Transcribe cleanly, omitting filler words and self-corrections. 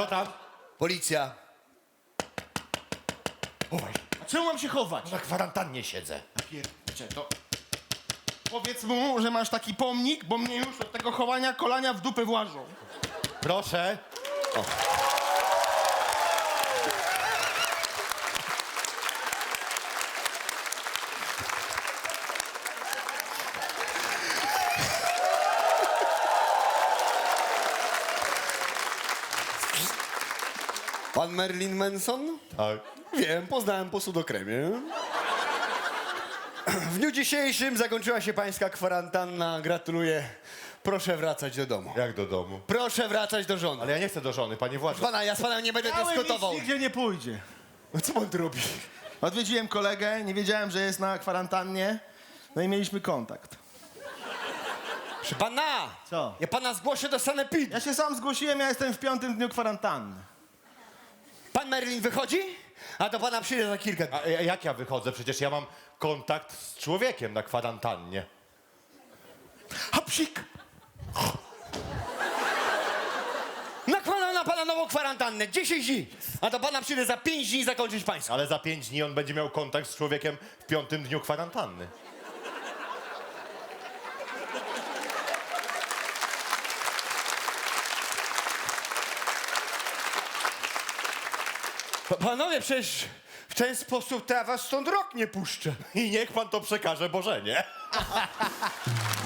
Kto tam? Policja. Chowaj. A czemu mam się chować? Na kwarantannie siedzę. Pierdzie, to... Powiedz mu, że masz taki pomnik, bo mnie już od tego chowania kolania w dupę włażą. Proszę. Pan Marilyn Manson? Tak. Wiem, poznałem po sudokremie. W dniu dzisiejszym zakończyła się pańska kwarantanna. Gratuluję. Proszę wracać do domu. Jak do domu? Proszę wracać do żony. Ale ja nie chcę do żony, panie Władzo. Pana, ja z panem nie będę dyskutował. Nigdzie nie pójdzie. No co pan tu robi? Odwiedziłem kolegę, nie wiedziałem, że jest na kwarantannie, no i mieliśmy kontakt. Proszę pana! Co? Ja pana zgłoszę do sanepidu. Ja się sam zgłosiłem, ja jestem w 5. dniu kwarantanny. Pan Marilyn wychodzi? A do pana przyjdę za kilka dni. A jak ja wychodzę? Przecież ja mam kontakt z człowiekiem na kwarantannie. Hopsik! Nakładam na pana nową kwarantannę. 10 dni. A do pana przyjdę za 5 dni zakończyć pańską. Ale za 5 dni on będzie miał kontakt z człowiekiem w 5. dniu kwarantanny. Panowie, przecież w ten sposób to ja was stąd rok nie puszczę. I niech pan to przekaże Bożenie.